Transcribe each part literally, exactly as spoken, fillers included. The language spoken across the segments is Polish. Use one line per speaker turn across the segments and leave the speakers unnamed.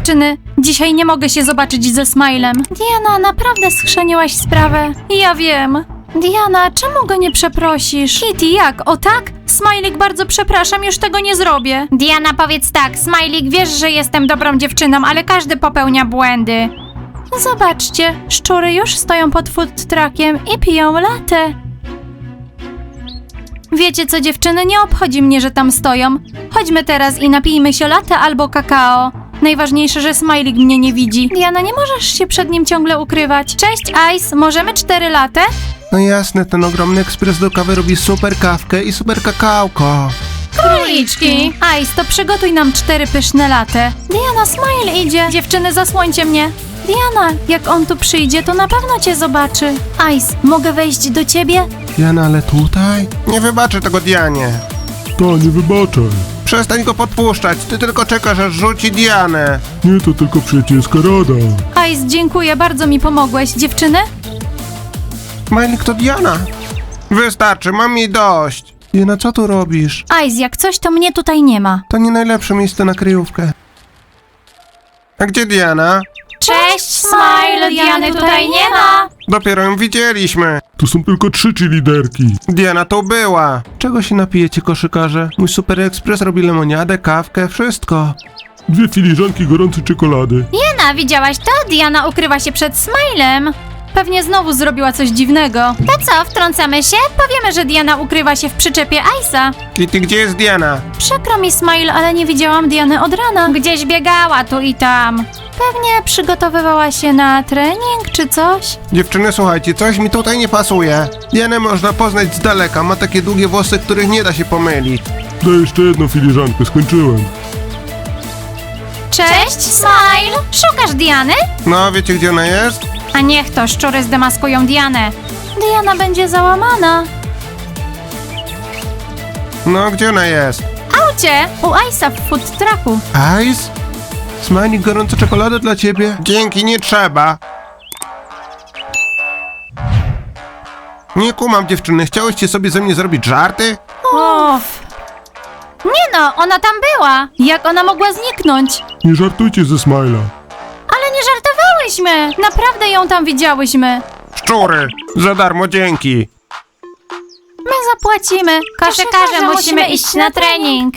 dziewczyny, dzisiaj nie mogę się zobaczyć ze Smilem. Diana, naprawdę schrzeniłaś sprawę. Ja wiem. Diana, czemu go nie przeprosisz? Kitty, jak? O tak? Smajlik, bardzo przepraszam, już tego nie zrobię. Diana, powiedz tak, Smajlik, wiesz, że jestem dobrą dziewczyną, ale każdy popełnia błędy. Zobaczcie, szczury już stoją pod food truckiem i piją latę. Wiecie co, dziewczyny, nie obchodzi mnie, że tam stoją. Chodźmy teraz i napijmy się latte albo kakao. Najważniejsze, że Smajlik mnie nie widzi. Diana, nie możesz się przed nim ciągle ukrywać. Cześć, Ice, możemy cztery latte?
No jasne, ten ogromny ekspres do kawy robi super kawkę i super kakałko.
Króliczki! Ice, to przygotuj nam cztery pyszne latte. Diana, Smile idzie. Dziewczyny, zasłońcie mnie. Diana, jak on tu przyjdzie, to na pewno cię zobaczy. Ice, mogę wejść do ciebie?
Diana, ale tutaj? Nie wybaczę tego Dianie.
Ta, nie wybaczaj.
Przestań go podpuszczać, ty tylko czekasz, aż rzuci Dianę.
Nie, to tylko przyjacielska rada.
Ice, dziękuję, bardzo mi pomogłeś. Dziewczyny?
Majlik, to Diana. Wystarczy, mam jej dość. Diana, co tu robisz?
Ice, jak coś, to mnie tutaj nie ma.
To nie najlepsze miejsce na kryjówkę. A gdzie Diana?
Cześć, Smile, Diany tutaj nie ma.
Dopiero ją widzieliśmy.
Tu są tylko trzy liderki.
Diana tu była. Czego się napijecie, koszykarze? Mój super ekspres robi lemoniadę, kawkę, wszystko.
Dwie filiżanki gorącej czekolady.
Diana, widziałaś to? Diana ukrywa się przed Smilem. Pewnie znowu zrobiła coś dziwnego. To co, wtrącamy się? Powiemy, że Diana ukrywa się w przyczepie Ice'a.
Kitty, gdzie jest Diana?
Przykro mi, Smile, ale nie widziałam Diany od rana. Gdzieś biegała tu i tam. Pewnie przygotowywała się na trening czy coś.
Dziewczyny, słuchajcie, coś mi tutaj nie pasuje. Dianę można poznać z daleka, ma takie długie włosy, których nie da się pomylić.
Daj jeszcze jedną filiżankę, skończyłem.
Cześć, Smile! Szukasz Diany?
No, wiecie gdzie ona jest?
A niech to, szczury zdemaskują Dianę. Diana będzie załamana.
No, gdzie ona jest?
Aucie, u Ice'a w food trucku.
Ice? Smajlik, gorąca czekolada dla ciebie? Dzięki, nie trzeba. Nie kumam, dziewczyny, chciałyście sobie ze mnie zrobić żarty?
Uff. Nie no, ona tam była. Jak ona mogła zniknąć?
Nie żartujcie ze Smila.
Ale nie żartowałyśmy. Naprawdę ją tam widziałyśmy.
Szczury, za darmo, dzięki.
My zapłacimy. Koszykarze, musimy iść na trening.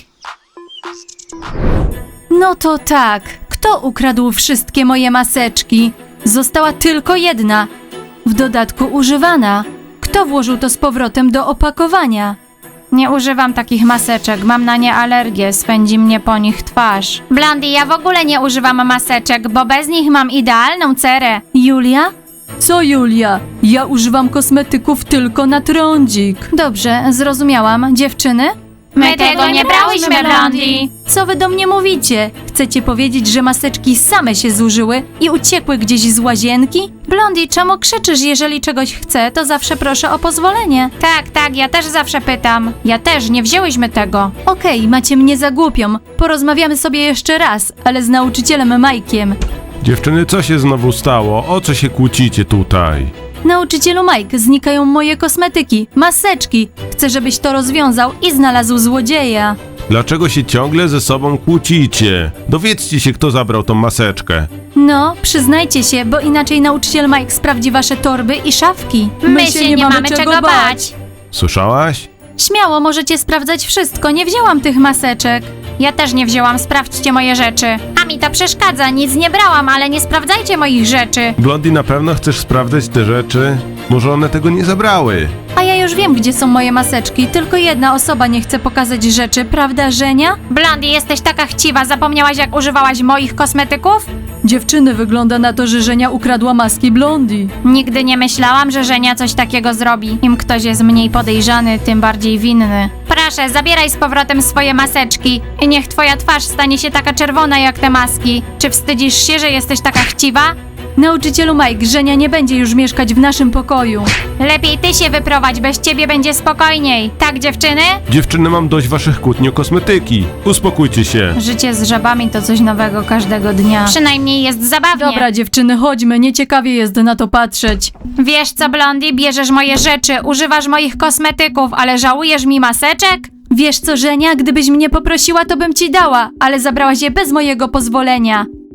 No to tak. Kto ukradł wszystkie moje maseczki? Została tylko jedna. W dodatku używana. Kto włożył to z powrotem do opakowania? Nie używam takich maseczek, mam na nie alergię, spędzi mnie po nich twarz. Blondie, ja w ogóle nie używam maseczek, bo bez nich mam idealną cerę. Julia? Co Julia? Ja używam kosmetyków tylko na trądzik. Dobrze, zrozumiałam. Dziewczyny?
My tego nie brałyśmy, Blondie.
Co wy do mnie mówicie? Chcecie powiedzieć, że maseczki same się zużyły i uciekły gdzieś z łazienki? Blondie, czemu krzyczysz? Jeżeli czegoś chcę, to zawsze proszę o pozwolenie. Tak, tak, ja też zawsze pytam. Ja też, nie wzięłyśmy tego. Okej, macie mnie za głupią. Porozmawiamy sobie jeszcze raz, ale z nauczycielem Majkiem.
Dziewczyny, co się znowu stało? O co się kłócicie tutaj?
Nauczycielu Mike, znikają moje kosmetyki, maseczki. Chcę, żebyś to rozwiązał i znalazł złodzieja.
Dlaczego się ciągle ze sobą kłócicie? Dowiedzcie się, kto zabrał tą maseczkę.
No, przyznajcie się, bo inaczej nauczyciel Mike sprawdzi wasze torby i szafki.
My się nie mamy czego bać.
Słyszałaś?
Śmiało możecie sprawdzać wszystko, nie wzięłam tych maseczek. Ja też nie wzięłam, sprawdźcie moje rzeczy. A mi to przeszkadza, nic nie brałam, ale nie sprawdzajcie moich rzeczy.
Blondie, na pewno chcesz sprawdzać te rzeczy? Może one tego nie zabrały?
A ja już wiem, gdzie są moje maseczki, tylko jedna osoba nie chce pokazać rzeczy, prawda, Żenia?
Blondie, jesteś taka chciwa, zapomniałaś jak używałaś moich kosmetyków?
Dziewczyny, wygląda na to, że Żenia ukradła maski Blondie.
Nigdy nie myślałam, że Żenia coś takiego zrobi. Im ktoś jest mniej podejrzany, tym bardziej winny. Proszę, zabieraj z powrotem swoje maseczki i niech twoja twarz stanie się taka czerwona jak te maski. Czy wstydzisz się, że jesteś taka chciwa?
Nauczycielu Mike, Żenia nie będzie już mieszkać w naszym pokoju.
Lepiej ty się wyprowadź, bez ciebie będzie spokojniej. Tak, dziewczyny?
Dziewczyny, mam dość waszych kłótni o kosmetyki. Uspokójcie się.
Życie z żabami to coś nowego każdego dnia.
Przynajmniej jest zabawnie.
Dobra, dziewczyny, chodźmy, nieciekawie jest na to patrzeć.
Wiesz co, Blondie, bierzesz moje rzeczy, używasz moich kosmetyków, ale żałujesz mi maseczek?
Wiesz co, Żenia, gdybyś mnie poprosiła, to bym ci dała, ale zabrałaś je bez mojego pozwolenia.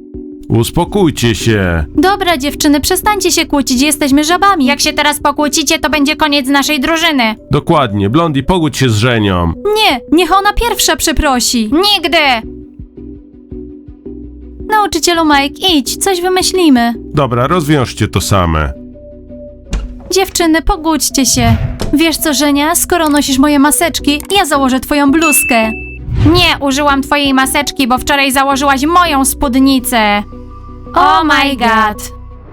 Uspokójcie się.
Dobra, dziewczyny, przestańcie się kłócić, jesteśmy żabami.
Jak się teraz pokłócicie, to będzie koniec naszej drużyny.
Dokładnie, Blondie, pogódź się z Żenią.
Nie, niech ona pierwsza przeprosi.
Nigdy!
Nauczycielu Mike, idź, coś wymyślimy.
Dobra, rozwiążcie to same.
Dziewczyny, pogódźcie się. Wiesz co, Żenia, skoro nosisz moje maseczki, ja założę twoją bluzkę.
Nie, użyłam twojej maseczki, bo wczoraj założyłaś moją spódnicę. Oh my god.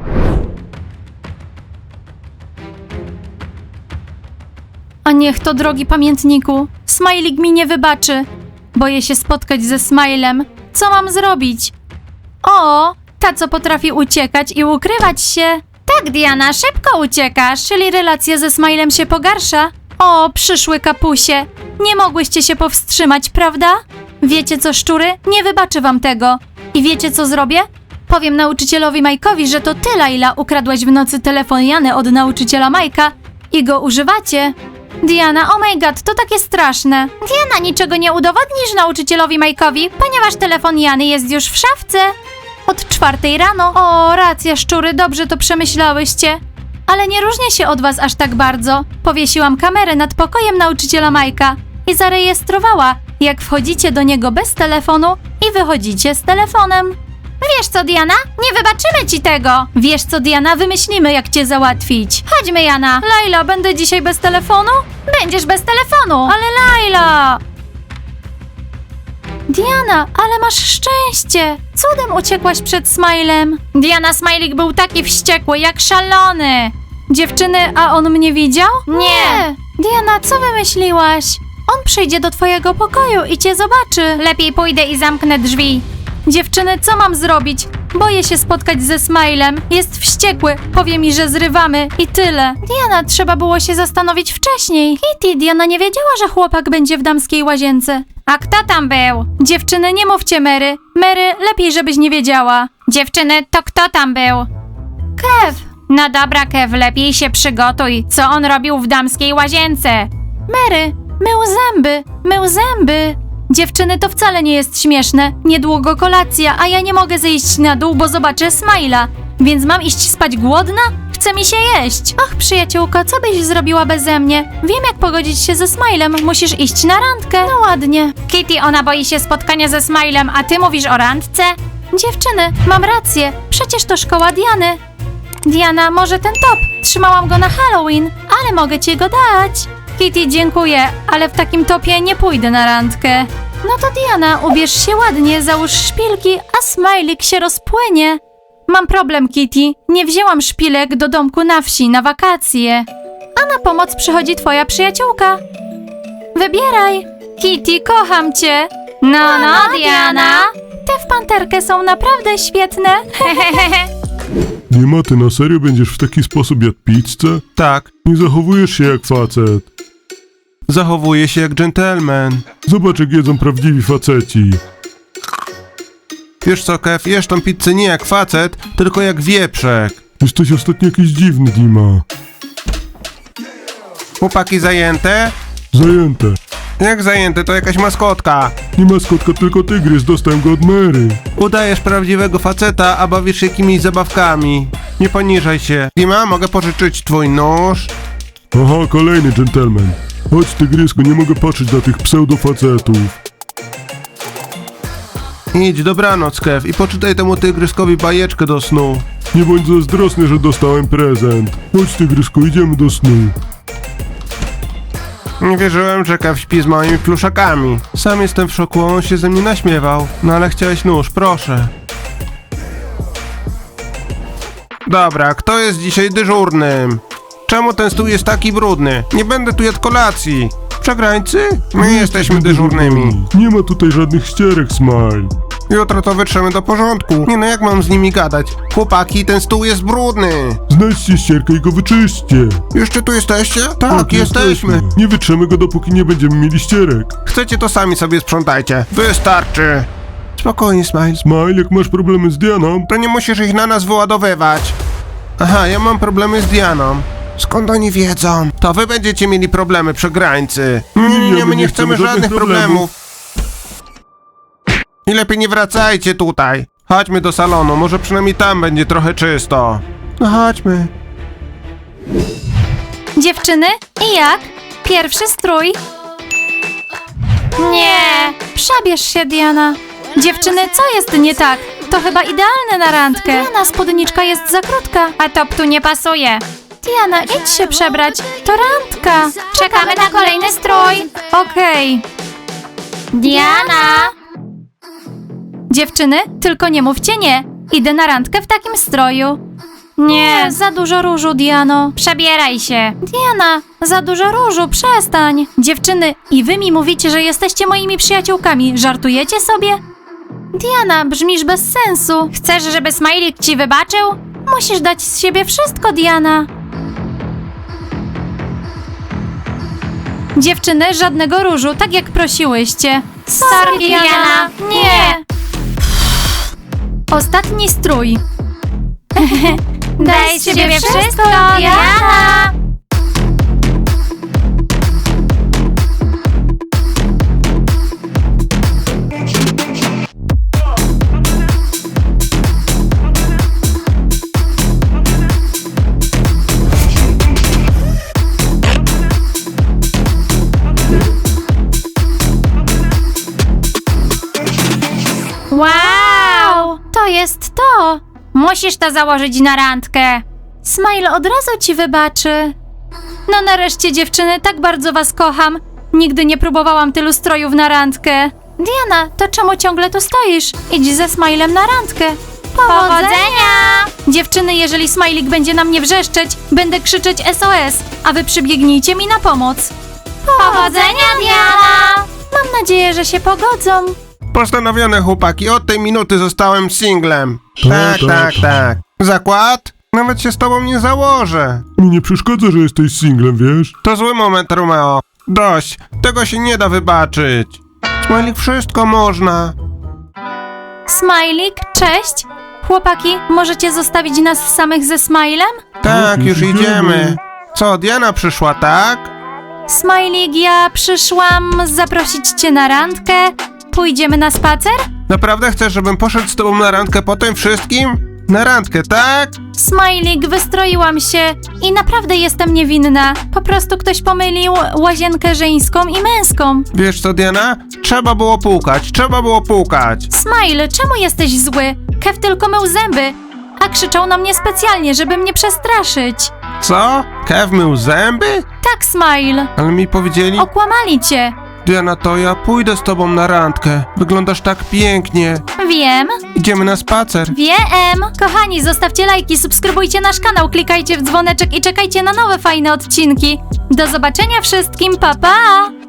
A niech to, drogi pamiętniku, Smajlik mi nie wybaczy. Boję się spotkać ze Smilem. Co mam zrobić? O, ta co potrafi uciekać i ukrywać się.
Tak, Diana, szybko uciekasz.
Czyli relacja ze Smilem się pogarsza? O, przyszły kapusie. Nie mogłyście się powstrzymać, prawda? Wiecie co, szczury? Nie wybaczę wam tego. I wiecie co zrobię? Powiem nauczycielowi Majkowi, że to ty, Laila, ukradłaś w nocy telefon Jany od nauczyciela Majka i go używacie. Diana, oh my god, to takie straszne.
Diana, niczego nie udowodnisz nauczycielowi Majkowi, ponieważ telefon Jany jest już w szafce.
Od czwartej rano. O, racja, szczury, dobrze to przemyślałyście. Ale nie różnię się od was aż tak bardzo. Powiesiłam kamerę nad pokojem nauczyciela Majka i zarejestrowała, jak wchodzicie do niego bez telefonu i wychodzicie z telefonem.
Wiesz co, Diana? Nie wybaczymy ci tego.
Wiesz co, Diana, wymyślimy, jak cię załatwić.
Chodźmy, Jana.
Laila, będę dzisiaj bez telefonu?
Będziesz bez telefonu.
Ale Laila! Diana, ale masz szczęście! Cudem uciekłaś przed Smilem.
Diana, Smajlik był taki wściekły, jak szalony.
Dziewczyny, a on mnie widział?
Nie.
Diana, co wymyśliłaś? On przyjdzie do twojego pokoju i cię zobaczy.
Lepiej pójdę i zamknę drzwi.
Dziewczyny, co mam zrobić? Boję się spotkać ze Smilem. Jest wściekły, powie mi, że zrywamy i tyle. Diana, trzeba było się zastanowić wcześniej. Kitty, Diana nie wiedziała, że chłopak będzie w damskiej łazience.
A kto tam był?
Dziewczyny, nie mówcie Mary. Mary, lepiej żebyś nie wiedziała.
Dziewczyny, to kto tam był?
Kev!
No dobra, Kev, lepiej się przygotuj. Co on robił w damskiej łazience?
Mary, mył zęby, mył zęby. Dziewczyny, to wcale nie jest śmieszne. Niedługo kolacja, a ja nie mogę zejść na dół, bo zobaczę Smila. Więc mam iść spać głodna? Chce mi się jeść. Och, przyjaciółko, co byś zrobiła beze mnie? Wiem, jak pogodzić się ze Smilem. Musisz iść na randkę. No ładnie.
Kitty, ona boi się spotkania ze Smilem, a ty mówisz o randce?
Dziewczyny, mam rację. Przecież to szkoła Diany. Diana, może ten top? Trzymałam go na Halloween, ale mogę ci go dać. Kitty, dziękuję, ale w takim topie nie pójdę na randkę. No to Diana, ubierz się ładnie, załóż szpilki, a Smajlik się rozpłynie. Mam problem, Kitty. Nie wzięłam szpilek do domku na wsi na wakacje. A na pomoc przychodzi twoja przyjaciółka. Wybieraj. Kitty, kocham cię.
No, no, Diana.
Te w panterkę są naprawdę świetne.
Dima, ty na serio będziesz w taki sposób jadł pizzę?
Tak,
Nie zachowujesz się jak facet.
zachowuję się jak dżentelmen.
Zobacz, jak jedzą prawdziwi faceci.
Wiesz co, Kev, jesz tą pizzę nie jak facet, tylko jak wieprzek.
Jesteś ostatnio jakiś dziwny, Dima.
Chłopaki zajęte?
Zajęte.
Jak zajęte, to jakaś maskotka.
Nie maskotka, tylko tygrys, dostałem go od Mary.
Udajesz prawdziwego faceta, a bawisz się jakimiś zabawkami. Nie poniżaj się. Dima, mogę pożyczyć twój nóż?
Aha, kolejny dżentelmen. Chodź, tygrysku, nie mogę patrzeć na tych pseudofacetów.
Idź, dobranoc, Kev, i poczytaj temu tygryskowi bajeczkę do snu.
Nie bądź zazdrosny, że dostałem prezent. Chodź, tygrysku, idziemy do snu.
Nie wierzyłem, że Kev śpi z moimi pluszakami. Sam jestem w szoku, on się ze mnie naśmiewał. No ale chciałeś nóż, proszę. Dobra, kto jest dzisiaj dyżurnym? Czemu ten stół jest taki brudny? Nie będę tu jadł kolacji. Przegrańcy? My jesteśmy dyżurnymi.
Nie ma tutaj żadnych ścierek, Smile.
Jutro to wytrzemy do porządku. Nie no, jak mam z nimi gadać? Chłopaki, ten stół jest brudny.
Znajdźcie ścierkę i go wyczyśćcie.
Jeszcze tu jesteście? Tak, jesteśmy.
Nie wytrzemy go, dopóki nie będziemy mieli ścierek.
Chcecie, to sami sobie sprzątajcie. Wystarczy. Spokojnie, Smile.
Smile, jak masz problemy z Dianą,
To nie musisz ich na nas wyładowywać. Aha, ja mam problemy z Dianą. Skąd oni wiedzą? To wy będziecie mieli problemy, przegrańcy. Nie, nie, nie, my nie chcemy żadnych problemów. I lepiej nie wracajcie tutaj. Chodźmy do salonu, może przynajmniej tam będzie trochę czysto. No chodźmy.
Dziewczyny, i jak? Pierwszy strój?
Nie.
Przebierz się, Diana. Dziewczyny, co jest nie tak? To chyba idealne na randkę. Diana, spódniczka jest za krótka.
A top tu nie pasuje.
Diana, idź się przebrać. To randka.
Czekamy na kolejny strój.
Okej.
Diana.
Dziewczyny, tylko nie mówcie nie. Idę na randkę w takim stroju. Nie, za dużo różu, Diano.
Przebieraj się.
Diana, za dużo różu, przestań. Dziewczyny, i wy mi mówicie, że jesteście moimi przyjaciółkami. Żartujecie sobie? Diana, brzmisz bez sensu.
Chcesz, żeby Smajlik ci wybaczył?
Musisz dać z siebie wszystko, Diana. Dziewczyny, żadnego różu, tak jak prosiłyście.
Sorry, Diana.
Nie. Ostatni strój.
Daj z siebie wszystko, Diana. Wow!
To jest to.
Musisz to założyć na randkę.
Smile od razu ci wybaczy. No nareszcie, dziewczyny, tak bardzo was kocham. Nigdy nie próbowałam tylu strojów na randkę. Diana, to czemu ciągle tu stoisz? Idź ze Smilem na randkę.
Powodzenia!
Dziewczyny, jeżeli Smajlik będzie na mnie wrzeszczeć, będę krzyczeć S O S, a wy przybiegnijcie mi na pomoc.
Powodzenia, Diana!
Mam nadzieję, że się pogodzą.
Postanowione, chłopaki, od tej minuty zostałem singlem.
Tak,
Tak,
tak.
tak, tak. Zakład? Nawet się z tobą nie założę.
Mi nie przeszkadza, że jesteś singlem, wiesz?
To zły moment, Romeo. Dość, tego się nie da wybaczyć. Smajlik, wszystko można.
Smajlik, cześć. Chłopaki, możecie zostawić nas samych ze Smilem?
Tak,
już
już
idziemy.
idziemy. Co, Diana przyszła, tak?
Smajlik, ja przyszłam zaprosić cię na randkę. Pójdziemy na spacer?
Naprawdę chcesz, żebym poszedł z tobą na randkę po tym wszystkim? Na randkę, tak?
Smajlik, wystroiłam się i naprawdę jestem niewinna. Po prostu ktoś pomylił łazienkę żeńską i męską.
Wiesz co, Diana? Trzeba było pukać, trzeba było pukać.
Smile, czemu jesteś zły? Kev tylko mył zęby, a krzyczał na mnie specjalnie, żeby mnie przestraszyć.
Co? Kev mył zęby?
Tak, Smile.
Ale mi powiedzieli...
Okłamali cię.
Diana, to ja pójdę z tobą na randkę. Wyglądasz tak pięknie.
Wiem,
Idziemy na spacer.
wiem. Kochani, zostawcie lajki, subskrybujcie nasz kanał, klikajcie w dzwoneczek i czekajcie na nowe fajne odcinki. Do zobaczenia wszystkim, pa pa!